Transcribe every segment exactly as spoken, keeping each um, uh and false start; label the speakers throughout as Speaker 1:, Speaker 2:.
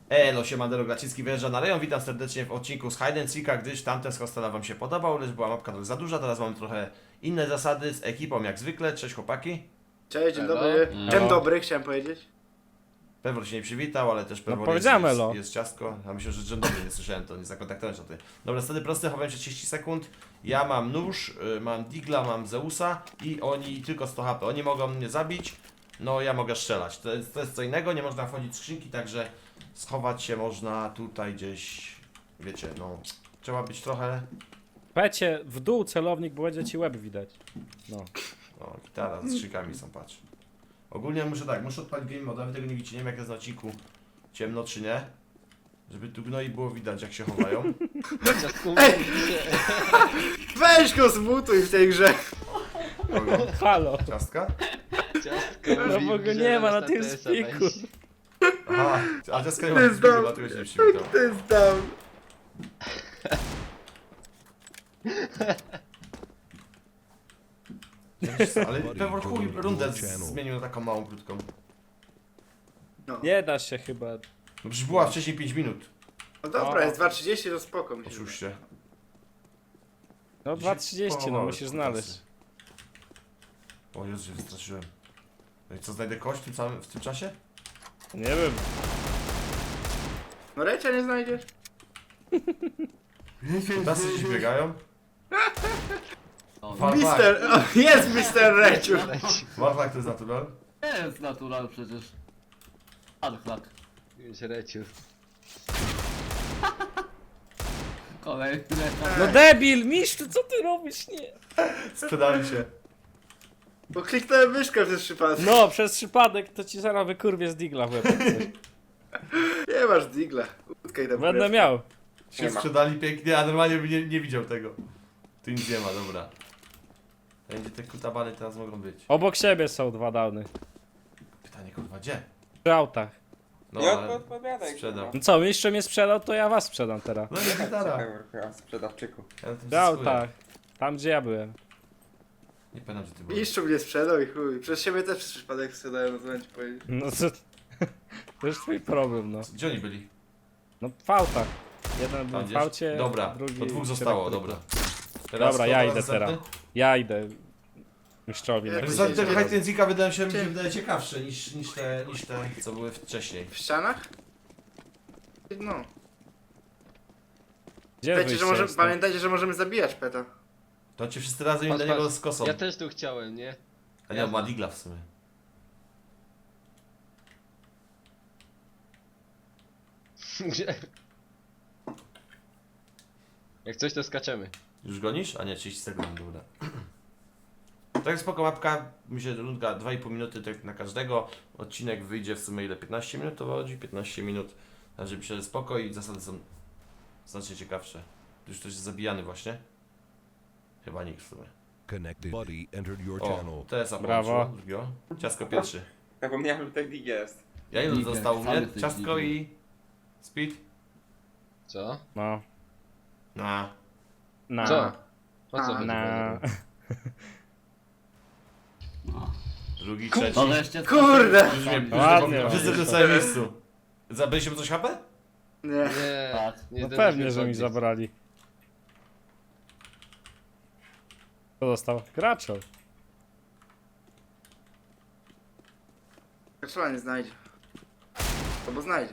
Speaker 1: Elo, siemandero, Glaciński wyjeżdża na rejon. Witam serdecznie w odcinku z Hide and Seeka, gdyż tamten z hostela wam się podobał, lecz była mapka trochę za duża. Teraz mamy trochę inne zasady z ekipą jak zwykle. Cześć chłopaki.
Speaker 2: Cześć, dzień
Speaker 3: Elo.
Speaker 2: dobry.
Speaker 3: Elo.
Speaker 2: Dzień dobry, chciałem powiedzieć.
Speaker 1: Pewor się nie przywitał, ale też Pewor
Speaker 4: powiedziałem
Speaker 1: jest, jest,
Speaker 4: elo.
Speaker 1: jest ciastko. A myślę, że dzień dobry, nie słyszałem to, nie zakontaktowałem się o tym. Dobra, zasady proste, chowałem się trzydzieści sekund. Ja mam nóż, y, mam Digla, mam Zeusa i oni tylko sto H P. Oni mogą mnie zabić, no ja mogę strzelać. To jest, to jest co innego, nie można wchodzić w skrzynki, także schować się można tutaj gdzieś, wiecie, no. Trzeba być trochę...
Speaker 4: Pecie, w dół celownik, bo będzie ci łeb widać. No.
Speaker 1: O, gitara z skrzynkami są, patrz. Ogólnie muszę tak, muszę odpalić game moda, wy tego nie widzicie, nie wiem jak jest na odcinku ciemno czy nie. Żeby tu gnoi było widać jak się chowają.
Speaker 2: Ej! Weź go zmutuj w tej grze.
Speaker 1: Kogo?
Speaker 4: Halo.
Speaker 1: Ciastka?
Speaker 4: No bo go nie ma na tym spiku.
Speaker 1: Aha, a ciastka nie ma
Speaker 2: Ty
Speaker 1: nic zbiegu,
Speaker 2: zdał.
Speaker 1: dlatego się nie przywitał.
Speaker 2: To jest down.
Speaker 1: Ale Pewor chuj rundę z- zmienił na taką małą, krótką.
Speaker 2: No,
Speaker 4: Nie da się chyba.
Speaker 1: No przecież była wcześniej pięć minut.
Speaker 2: no dobra, jest dwa trzydzieści, to spoko mi się wydaje.
Speaker 1: Oszuście.
Speaker 4: No dwa trzydzieści, no
Speaker 1: Pochowałeś
Speaker 4: musisz
Speaker 1: kutasy.
Speaker 4: znaleźć.
Speaker 1: O Jezu, się wystraszyłem. No i co, znajdę kość w tym, samym, w tym czasie?
Speaker 4: Nie wiem.
Speaker 2: No Recia nie znajdziesz?
Speaker 1: Kutasy gdzieś biegają? Warlak.
Speaker 2: Mister, o, jest Mister Reciu.
Speaker 1: Warlak to jest natural?
Speaker 3: Nie jest natural przecież. Adflak.
Speaker 5: Już reciu.
Speaker 3: Kolejny.
Speaker 4: No debil, mistrzu, co ty robisz? Nie.
Speaker 1: Sprzedali się.
Speaker 2: Bo kliknąłem myszkę przez przypadek.
Speaker 4: No, przez przypadek to ci zaraz wykurwię z digla w łeb. jak coś.
Speaker 2: Nie masz digla. Utkaj tam.
Speaker 4: Będę
Speaker 2: kurewkę.
Speaker 4: miał.
Speaker 1: Się
Speaker 2: Nie ma.
Speaker 1: sprzedali pięknie, a normalnie bym nie, nie widział tego. Tu nic nie ma, dobra. Będzie te kutabany teraz mogą być.
Speaker 4: Obok siebie są dwa downy.
Speaker 1: Pytanie kurwa, gdzie?
Speaker 4: Przy autach.
Speaker 1: No
Speaker 6: Nie
Speaker 1: ale
Speaker 6: odpowiadaj.
Speaker 1: sprzedał.
Speaker 4: No co, mistrzu mnie sprzedał, to ja was sprzedam teraz.
Speaker 1: No nie gitara.
Speaker 6: kurwa. Sprzedawczyku.
Speaker 1: Ja na tym
Speaker 4: Przy
Speaker 1: zyskuję.
Speaker 4: autach. Tam gdzie ja byłem.
Speaker 1: Nie pamiętam, gdzie ty byłeś.
Speaker 2: Mistrzu mnie sprzedał i chuj. Przez siebie też przez przypadek sprzedałem, no co mam ci powiedzieć.
Speaker 4: No to... To już twój problem, no.
Speaker 1: Gdzie oni byli?
Speaker 4: No w autach. Jeden
Speaker 1: Tam
Speaker 4: był w
Speaker 1: gdzieś?
Speaker 4: aucie,
Speaker 1: Dobra,
Speaker 4: drugi...
Speaker 1: to dwóch
Speaker 4: przy
Speaker 1: zostało,
Speaker 4: elektryku.
Speaker 1: dobra. Teraz
Speaker 4: Dobra,
Speaker 1: kto
Speaker 4: ja
Speaker 1: teraz
Speaker 4: idę
Speaker 1: następny?
Speaker 4: teraz. Ja idę. Mistrzowi.
Speaker 2: Jak
Speaker 4: na
Speaker 2: to
Speaker 1: Zasady
Speaker 2: Idziecie.
Speaker 1: tego Hide wydają się mi się
Speaker 2: Gdzie?
Speaker 1: wydaje ciekawsze niż, niż, te, niż te, co były wcześniej.
Speaker 2: W ścianach? No.
Speaker 4: Gdzie
Speaker 2: Pamiętajcie, że,
Speaker 4: wyjście
Speaker 2: może,
Speaker 4: jest?
Speaker 2: pamiętajcie, że możemy zabijać peta.
Speaker 1: To ci wszyscy razem
Speaker 5: Patrz,
Speaker 1: do niego
Speaker 5: patrz.
Speaker 1: z kosą.
Speaker 5: Ja też tu chciałem, nie?
Speaker 1: A nie, on ma digla w sumie.
Speaker 5: Gdzie? Jak coś to skaczemy.
Speaker 1: Już gonisz? A nie, trzydzieści sekund, dobra. Tak spoko mapka, myślę, że rundka dwa i pół minuty tak na każdego. Odcinek wyjdzie w sumie ile? piętnaście minut to wychodzi? piętnaście minut. Także myślę, że spoko i zasady są znacznie ciekawsze. Już ktoś jest zabijany właśnie? Chyba nikt w sumie.
Speaker 7: Connected buddy entered your
Speaker 1: O,
Speaker 7: channel.
Speaker 1: T S A
Speaker 4: Brawo.
Speaker 1: połączyło, drugiego. Ciastko pierwszy.
Speaker 6: Zapomniałem, że tak dig jest.
Speaker 1: Ja ilu
Speaker 3: Digger,
Speaker 1: zostało u
Speaker 3: sam
Speaker 1: mnie?
Speaker 3: jesteś
Speaker 1: Ciastko
Speaker 3: digger.
Speaker 1: i... Speed?
Speaker 5: Co?
Speaker 4: No.
Speaker 1: Na.
Speaker 4: Na.
Speaker 5: Co? O co
Speaker 2: A.
Speaker 5: chodzi?
Speaker 4: Na.
Speaker 3: No.
Speaker 1: Drugi, trzeci.
Speaker 3: To wreszcie.
Speaker 2: Kurde!
Speaker 1: Już mnie,
Speaker 4: Ładnie,
Speaker 1: już wszyscy w tym samym miejscu. Zabyliście coś H P?
Speaker 2: Nie.
Speaker 5: Nie,
Speaker 3: Tak.
Speaker 5: nie
Speaker 4: No
Speaker 5: zdążyliśmy
Speaker 4: pewnie, że mi
Speaker 5: podbiec.
Speaker 4: zabrali. Kto dostał? Graczol.
Speaker 2: Kaczula nie znajdzie. Albo znajdzie.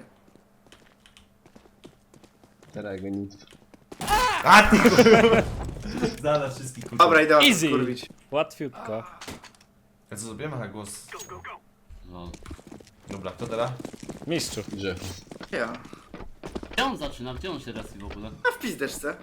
Speaker 5: Teraz go nic.
Speaker 1: A ty kurwa! Znalazł wszystkich kurwa.
Speaker 2: Dobra, idę
Speaker 4: Easy.
Speaker 2: kurwić.
Speaker 4: Łatwiutko.
Speaker 1: A co zrobiłem? Aha, głos.
Speaker 3: No.
Speaker 1: Dobra, kto teraz?
Speaker 4: Mistrzu.
Speaker 5: Że.
Speaker 2: Ja.
Speaker 3: Gdzie on zaczyna? Gdzie on się respi w ogóle?
Speaker 2: A w pizdeczce.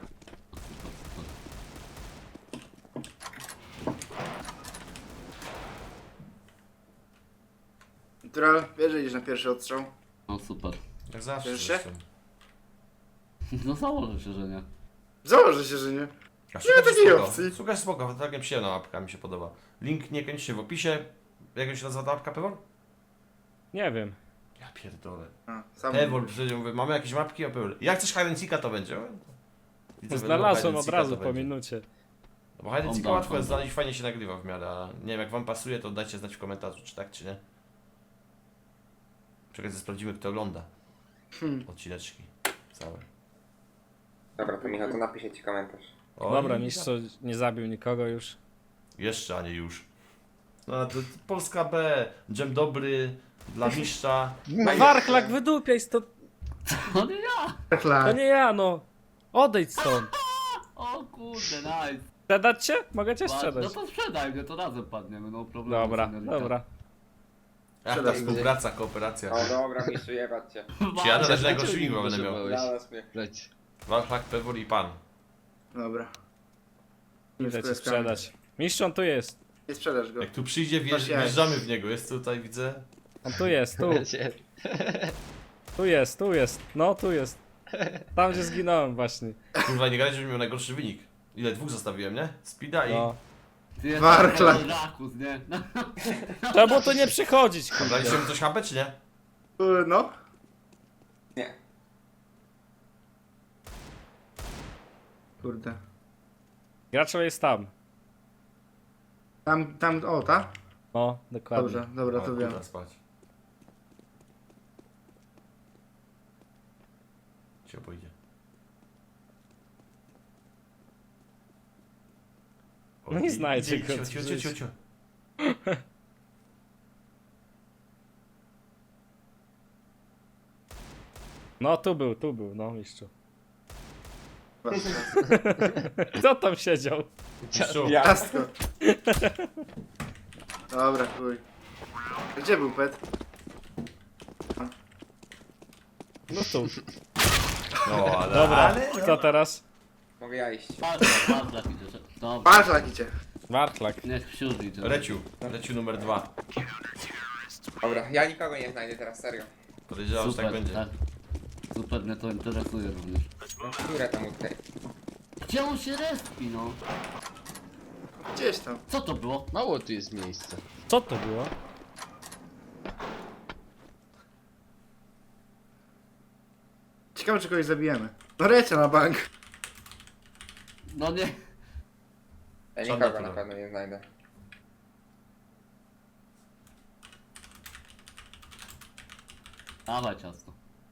Speaker 2: Natural, wiesz, że idziesz na pierwszy odstrzał?
Speaker 3: No super.
Speaker 1: Jak zawsze.
Speaker 2: Wiesz się?
Speaker 1: zresztą.
Speaker 3: No założę się, że nie.
Speaker 2: Założę się, że nie.
Speaker 1: A
Speaker 2: Nie ma takiej
Speaker 1: spoko.
Speaker 2: opcji.
Speaker 1: Szukaj spoko, całkiem przyjemna mapka, mi się podoba. Link nie kończy w opisie. Jak się nazywa ta mapka, Pewor?
Speaker 4: Nie wiem.
Speaker 1: Ja pierdolę.
Speaker 2: A, sam
Speaker 1: Pewor, przecież mówię, mamy jakieś mapki, a Pewor. Jak chcesz Hide and Seeka, to będzie. Widzę, że
Speaker 4: Znalazłem
Speaker 1: Hide and
Speaker 4: od
Speaker 1: Seeka
Speaker 4: razu
Speaker 1: to
Speaker 4: po
Speaker 1: będzie.
Speaker 4: minucie.
Speaker 1: No bo Hide and Seeka
Speaker 3: Oddam,
Speaker 1: łatwo jest
Speaker 3: oddam.
Speaker 1: znaleźć, fajnie się nagrywa w miarę, a nie wiem jak wam pasuje, to dajcie znać w komentarzu, czy tak, czy nie. Czekaj, sprawdzimy kto ogląda.
Speaker 2: Hmm.
Speaker 1: odcineczki. Całe.
Speaker 6: Dobra, to Michał, to napiszę ci komentarz.
Speaker 1: Oj,
Speaker 4: Dobra, mistrz nie zabił nikogo już.
Speaker 1: Jeszcze, a nie już. No to Polska B, dżem dobry dla mistrza.
Speaker 4: Warchlak, wydupiaj stąd.
Speaker 3: To nie ja!
Speaker 4: To
Speaker 2: Klak.
Speaker 4: nie ja, no. Odejdź stąd.
Speaker 3: O kurde, nice.
Speaker 4: Sprzedać cię? Mogę cię
Speaker 3: No
Speaker 4: sprzedać.
Speaker 3: to sprzedaj mnie, to razem padniemy, no problemu.
Speaker 4: Dobra,
Speaker 3: seniorita.
Speaker 4: dobra.
Speaker 1: Ach, ta współpraca, kooperacja.
Speaker 6: O dobra, mistrzu, jebać cię.
Speaker 1: Czy ja też
Speaker 5: Dlaczego
Speaker 1: najgorszy
Speaker 5: mi
Speaker 1: wigła będę miał.
Speaker 5: potrzebowałeś?
Speaker 6: Znalazł mnie.
Speaker 5: Leć.
Speaker 1: Warchlak, Pewor i pan.
Speaker 2: Dobra.
Speaker 4: Idę cię sprzedać. Mistrz, on tu jest.
Speaker 2: Nie sprzedasz go.
Speaker 1: Jak tu przyjdzie, wjeżdż,
Speaker 2: Masz jaj.
Speaker 1: wjeżdżamy w niego. Jest tutaj, widzę.
Speaker 4: On tu jest, tu.
Speaker 5: Lecie.
Speaker 4: Tu jest, tu jest. No, tu jest. Tam, gdzie zginąłem właśnie.
Speaker 1: Kurwa, nie gadać, żebym miał najgorszy wynik. Ile? Dwóch zostawiłem, nie? Speeda i...
Speaker 4: No.
Speaker 3: Ty jesteś
Speaker 2: Warchlak.
Speaker 3: taki Rakus, nie? No,
Speaker 4: Trzeba tu nie przychodzić, kurde.
Speaker 1: Daliście mu coś H P, czy nie?
Speaker 2: Y, No.
Speaker 6: Nie.
Speaker 2: Kurde.
Speaker 4: Gracz jest tam.
Speaker 2: Tam, tam, o, ta?
Speaker 4: No, dokładnie.
Speaker 2: Dobrze, dobra,
Speaker 1: O,
Speaker 2: to wiem.
Speaker 1: kurwa, spać. Cię pójdzie.
Speaker 4: No nie znajdzie
Speaker 1: idzie,
Speaker 4: go,
Speaker 1: Cio, cio, cio,
Speaker 4: żyć.
Speaker 1: cio, cio.
Speaker 4: No, tu był, tu był, no, mistrzu. Kto tam siedział?
Speaker 1: Mistrzu,
Speaker 2: Ciastko. Dobra, chuj. Gdzie był pet?
Speaker 4: No tu.
Speaker 1: No, ale...
Speaker 4: Dobra,
Speaker 1: ale...
Speaker 4: kto teraz?
Speaker 6: Mogę ja iść.
Speaker 3: Warchlak, warchlak idzie. Dobra,
Speaker 2: Patrz, jak idzie.
Speaker 4: Warchlak.
Speaker 3: niech wsiód idzie.
Speaker 1: Reciu, Reciu numer dwa.
Speaker 6: Dobra, ja nikogo nie znajdę teraz, serio.
Speaker 1: Podejrzewam, że
Speaker 3: Super,
Speaker 1: tak będzie.
Speaker 3: tak. Super, mnie to interesuje również.
Speaker 6: No, które tam tutaj?
Speaker 3: Gdzie on się respi, no?
Speaker 2: Gdzieś tam.
Speaker 3: Co to było?
Speaker 5: Mało tu jest miejsca.
Speaker 4: Co to było?
Speaker 2: Ciekawe, czy kogoś zabijemy. No lecie na bank.
Speaker 3: No nie.
Speaker 6: Ja
Speaker 1: Żadna
Speaker 6: nikogo na
Speaker 1: tura.
Speaker 6: pewno nie znajdę.
Speaker 3: Dawaj ciasto.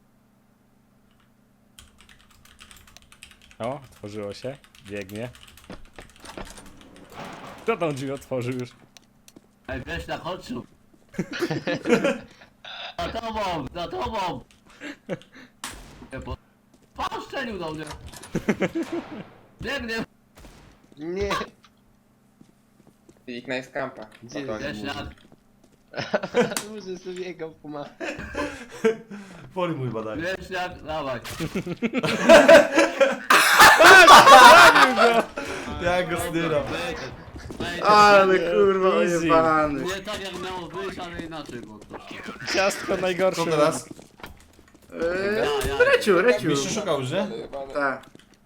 Speaker 4: O, otworzyło się. Biegnie. Kto tam drzwi otworzył już?
Speaker 3: Ej, weź na chodźu. Za tobą, za tobą. Nie, bo... Pan strzelił do mnie. Biegnie.
Speaker 5: Nie.
Speaker 6: Ich na jest kampa.
Speaker 5: Gdzie
Speaker 6: Spokojnie.
Speaker 5: jest?
Speaker 3: Wiesz jak?
Speaker 5: Może sobie jego puma.
Speaker 1: Poli mój badanie.
Speaker 3: Wiesz jak? Dawaj.
Speaker 1: Ja go styram.
Speaker 3: Wejdź.
Speaker 2: Ale kurwa,
Speaker 4: Easy.
Speaker 2: ojebany.
Speaker 3: Nie tak jak miało wyjść, ale inaczej było to.
Speaker 4: Ciastko najgorsze.
Speaker 1: Co teraz?
Speaker 2: Eee, Reciu, Reciu.
Speaker 1: Mistrz szukał już, nie?
Speaker 2: Tak.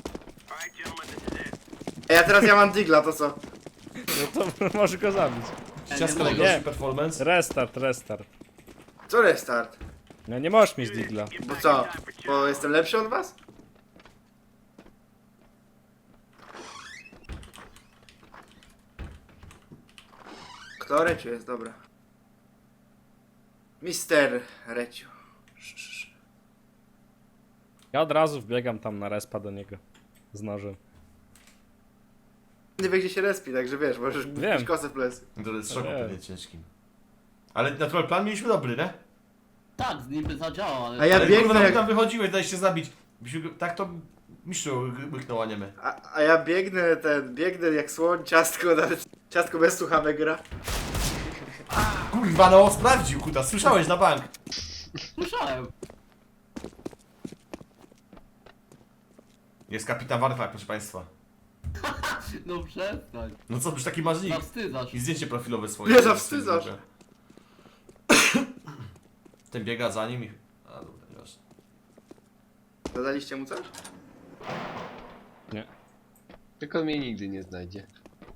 Speaker 2: Ej, a teraz ja mam digla, to co?
Speaker 4: No to możesz go zabić.
Speaker 1: Ciasko
Speaker 3: nie
Speaker 1: najgorszy
Speaker 4: mogę.
Speaker 1: performance.
Speaker 4: Restart, restart.
Speaker 2: Co restart?
Speaker 4: No nie możesz mieć digla.
Speaker 2: Bo co? Bo jestem lepszy od was? Kto Reciu jest? Dobra. Mister Reciu.
Speaker 4: Ja od razu wbiegam tam na respa do niego. Z nożem.
Speaker 2: Nie wie gdzie się respi, także wiesz, możesz
Speaker 4: Wiem.
Speaker 2: mieć kosę w plecy.
Speaker 1: To jest szoku
Speaker 4: Nie.
Speaker 1: pewnie ciężkim. Ale natural plan mieliśmy dobry, nie?
Speaker 3: Tak, z nim by zadziałał, ale...
Speaker 2: A ja
Speaker 1: Ale
Speaker 2: biegnę
Speaker 1: kurwa,
Speaker 2: jak-
Speaker 1: tam wychodziłeś, dałeś się zabić. Byśmy go- Tak to mistrzu łyknął, a nie my.
Speaker 2: A, a ja biegnę ten, biegnę jak słoń, ciastko, nawet ciastko bez słuchawek gra.
Speaker 1: Kurwa, no sprawdził, kuta, słyszałeś na bank.
Speaker 3: Słyszałem.
Speaker 1: Jest kapitan Warfak, proszę państwa.
Speaker 3: No przestań.
Speaker 1: No co, już taki marznik.
Speaker 3: Zawstydzasz.
Speaker 1: I zdjęcie profilowe swoje.
Speaker 2: Nie zawstydzasz.
Speaker 1: Ten biega za nim i... A dobra, nieważne.
Speaker 2: Dodaliście mu coś?
Speaker 4: Nie.
Speaker 5: Tylko mnie nigdy nie znajdzie.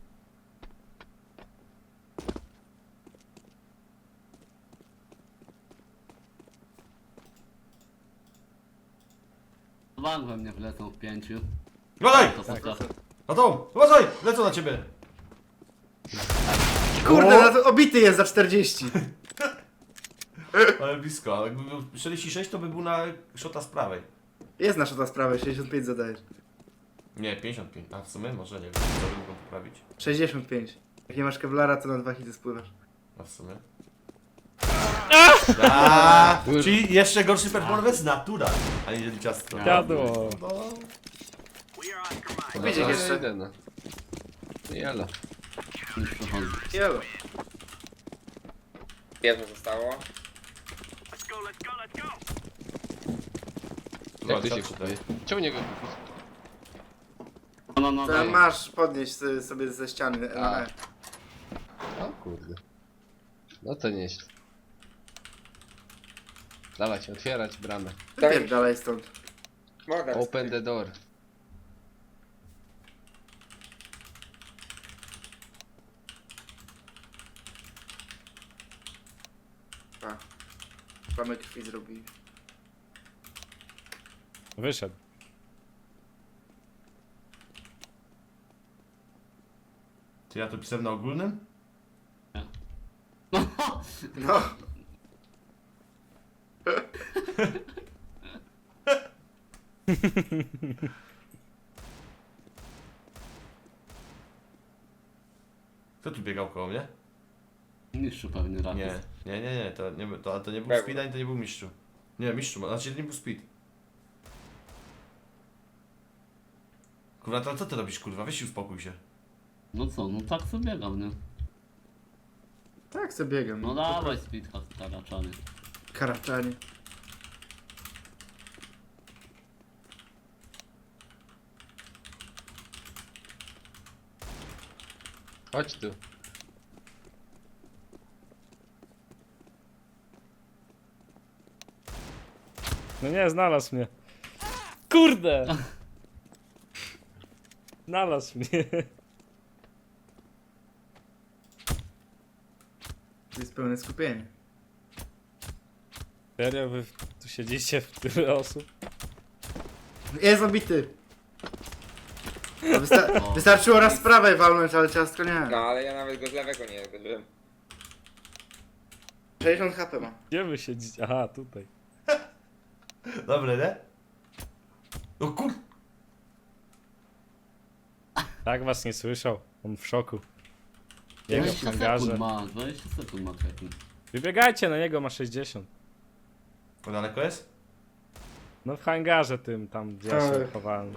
Speaker 3: Bank we mnie wlecą w pięciu.
Speaker 1: Uważaj!
Speaker 3: To postaw.
Speaker 1: No to, uważaj! Lecą na ciebie!
Speaker 2: Kurde, na to obity jest za czterdzieści.
Speaker 1: Ale blisko, ale jakby był czterdzieści sześć to by był na szota z prawej.
Speaker 2: Jest nasza ta sprawa, sześćdziesiąt pięć zadajesz.
Speaker 1: Nie, pięćdziesiąt pięć. A w sumie może nie wiem, co by mogą poprawić.
Speaker 2: sześćdziesiąt pięć. Jak nie masz kevlara, to na dwa hity spływasz.
Speaker 1: A w sumie. A, czyli jeszcze gorszy performance natura, a nie ciastko.
Speaker 4: Jadło.
Speaker 1: No.
Speaker 2: Wiecie
Speaker 5: No,
Speaker 2: jeszcze.
Speaker 5: idę, no. Jelo.
Speaker 3: Już przechodzę.
Speaker 2: Jelo.
Speaker 6: Jedno zostało.
Speaker 5: Jak to się
Speaker 1: Dwa, trzy,
Speaker 5: kupuje? Ciągnie go kupić.
Speaker 3: No, no, no,
Speaker 2: To
Speaker 3: daj.
Speaker 2: masz podnieść sobie- sobie ze ściany.
Speaker 5: A.
Speaker 2: E.
Speaker 5: O kurde. No to nieźle. Dawać, otwierać bramę.
Speaker 2: Wypierdalaj stąd.
Speaker 6: Mogę.
Speaker 5: Open the door.
Speaker 2: A. Plamę krwi zrobili.
Speaker 4: Wyszedł.
Speaker 1: Czy ja to pisałem na ogólnym?
Speaker 2: No.
Speaker 1: Kto tu biegał koło mnie?
Speaker 3: Mistrzu pewnie raz.
Speaker 1: Nie, nie, nie, nie, to nie, był- to, to nie był
Speaker 6: Pewnie.
Speaker 1: speed, ani to nie był mistrzu. Nie, mistrzu, znaczy to nie był speed. Kurwa, to co ty robisz, kurwa? Weź się uspokój się.
Speaker 3: No co, no tak sobie biegam, nie?
Speaker 2: Tak sobie biegam.
Speaker 3: No dawaj speedha staraczany.
Speaker 2: Karaczanie.
Speaker 5: Chodź tu.
Speaker 4: No nie, znalazł mnie. Kurde! Znalazł mnie.
Speaker 2: To jest pełne skupienie.
Speaker 4: Serio, wy tu siedzicie w tyle osób?
Speaker 2: Jest obity. To Wysta wystarczyło raz z prawej walnąć, ale ciastko nie.
Speaker 6: No ale ja nawet go z lewego nie zdobyłem.
Speaker 2: sześćdziesiąt H P ma.
Speaker 4: Gdzie wy siedzicie? Aha, tutaj.
Speaker 1: Dobre, nie? No kur...
Speaker 4: Tak was nie słyszał. On w szoku. Jego w
Speaker 3: dwadzieścia
Speaker 4: hangarze.
Speaker 3: sekund ma, dwadzieścia sekund ma czekaj.
Speaker 4: Wybiegajcie na niego, ma sześćdziesiąt.
Speaker 1: To daleko jest?
Speaker 4: No w hangarze tym, tam gdzie ja się
Speaker 2: Tak.
Speaker 4: chowałem.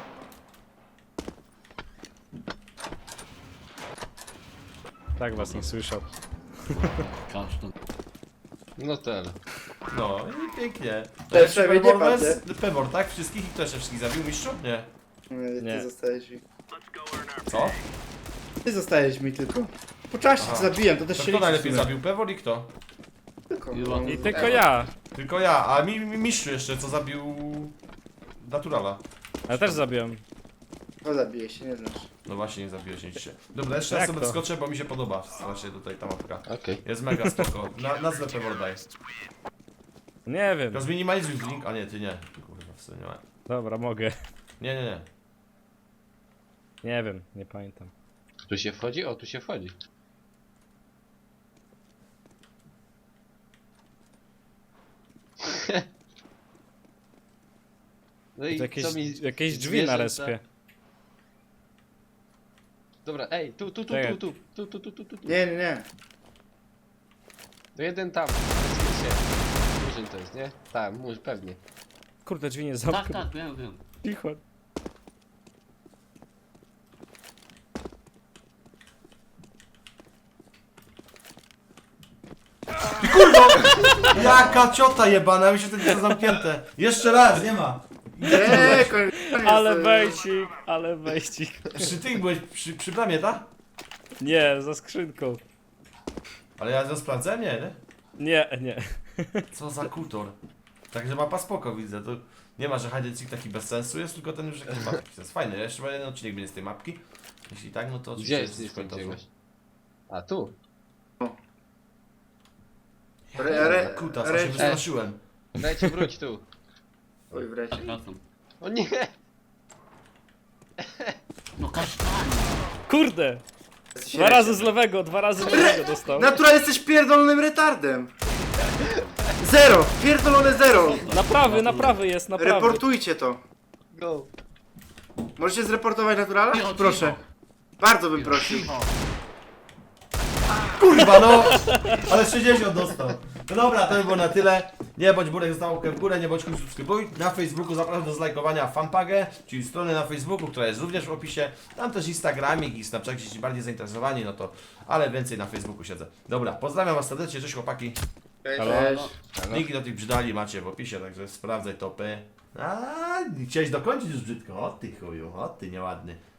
Speaker 4: Tak was nie słyszał.
Speaker 3: Kasztan.
Speaker 5: No to elo.
Speaker 1: No i pięknie.
Speaker 2: To jeszcze nie
Speaker 1: performance, Pebor, tak? Wszystkich i kto jeszcze wszystkich zabił, mistrzu? Nie.
Speaker 2: Nie,
Speaker 4: Nie.
Speaker 2: ty zostajesz mi.
Speaker 1: Co?
Speaker 2: Ty zostajesz mi tylko. Po czasie
Speaker 1: Aha.
Speaker 2: cię zabiłem, to też
Speaker 1: To
Speaker 2: się
Speaker 1: kto
Speaker 2: liczy
Speaker 1: najlepiej
Speaker 2: w sumie.
Speaker 1: zabił, Pebor i kto?
Speaker 2: Tylko.
Speaker 3: I
Speaker 2: no,
Speaker 4: I
Speaker 3: Tak.
Speaker 4: tylko ja.
Speaker 1: Tylko ja, a mi, mi mistrzu jeszcze, co zabił... Naturala.
Speaker 4: Ja też zabiłem.
Speaker 2: To zabije się, nie znasz.
Speaker 1: No właśnie, nie zabiłeś nic się. Dobra, jeszcze raz
Speaker 4: Jak
Speaker 1: sobie
Speaker 4: to?
Speaker 1: wskoczę, bo mi się podoba strasznie tutaj ta mapka.
Speaker 5: Okej.
Speaker 1: Jest mega spoko. Na, nazwę Pebor daj.
Speaker 4: Nie wiem.
Speaker 1: Tylko zminimalizuj link, a nie, ty nie. Kurwa, w sumie nie ma.
Speaker 4: Dobra, mogę.
Speaker 1: Nie, nie, nie.
Speaker 4: Nie wiem, nie pamiętam.
Speaker 5: Tu się wchodzi? O, tu się wchodzi. No i
Speaker 4: To jakieś,
Speaker 5: co mi...
Speaker 4: jakieś drzwi na
Speaker 5: zwierzęta-
Speaker 4: respie.
Speaker 5: Dobra, ej, tu, tu, tu,
Speaker 4: Czekaj.
Speaker 5: tu, tu, tu, tu, tu, tu, tu.
Speaker 2: Nie, nie, nie.
Speaker 5: To jeden tam. Zgadza się. Murzyn to jest, nie? Tak, murz, pewnie.
Speaker 4: Kurde, drzwi nie
Speaker 3: Tak,
Speaker 4: zamknął.
Speaker 3: tak, wiem, wiem.
Speaker 4: Cicho.
Speaker 1: Jaka ciota jebana, mi się to jest zamknięte. Jeszcze raz, nie ma.
Speaker 2: Nie, koniec.
Speaker 4: Ale wejcik, ale wejcik.
Speaker 1: Przy tych byłeś, przy, przy bramie, tak?
Speaker 4: Nie, za skrzynką.
Speaker 1: Ale ja to sprawdzę, nie, nie?
Speaker 4: Nie, nie.
Speaker 1: Co za kutor. Także mapa spoko widzę, to nie ma, że hide and seek taki bez sensu jest, tylko ten już jakiś ma taki sens. Fajny, jeszcze chyba jeden odcinek będzie z tej mapki. Jeśli tak, no to oczywiście
Speaker 5: Gdzie jest
Speaker 1: coś
Speaker 5: jestem
Speaker 1: końcowy.
Speaker 5: czegoś? A, tu.
Speaker 2: Re, re,
Speaker 1: Kutas, a
Speaker 2: re,
Speaker 1: się wystraszyłem.
Speaker 5: Dajcie wróć tu.
Speaker 2: Oj, wreszcie.
Speaker 3: Tak, wracam.
Speaker 5: O nie!
Speaker 3: No kasztanie.
Speaker 4: Kurde! Dwa razy z lewego, dwa razy z lewego dostał.
Speaker 2: Natura, jesteś pierdolonym retardem. Zero! Pierdolone zero!
Speaker 4: Naprawy, naprawy jest, naprawy.
Speaker 2: Reportujcie to.
Speaker 5: Go.
Speaker 2: Możecie zreportować naturala?
Speaker 3: Cicho,
Speaker 2: Proszę.
Speaker 3: cicho.
Speaker 2: Bardzo bym prosił.
Speaker 3: Cicho.
Speaker 1: Kurwa no! Ale sześćdziesiąt dostał. No dobra, to by było na tyle. Nie bądź burek, został łapkę w górę, nie bądź kuj, subskrybuj. Na Facebooku zapraszam do zlajkowania fanpagę, czyli strony na Facebooku, która jest również w opisie. Tam też Instagramik i Snapchat, jeśli bardziej zainteresowani, no to, ale więcej na Facebooku siedzę. Dobra, pozdrawiam was serdecznie, cześć chłopaki.
Speaker 6: Cześć.
Speaker 2: Cześć.
Speaker 1: Linki do tych brzydali macie w opisie, także sprawdzaj topy. A, chciałeś dokończyć już brzydko, o ty chuju, o ty nieładny.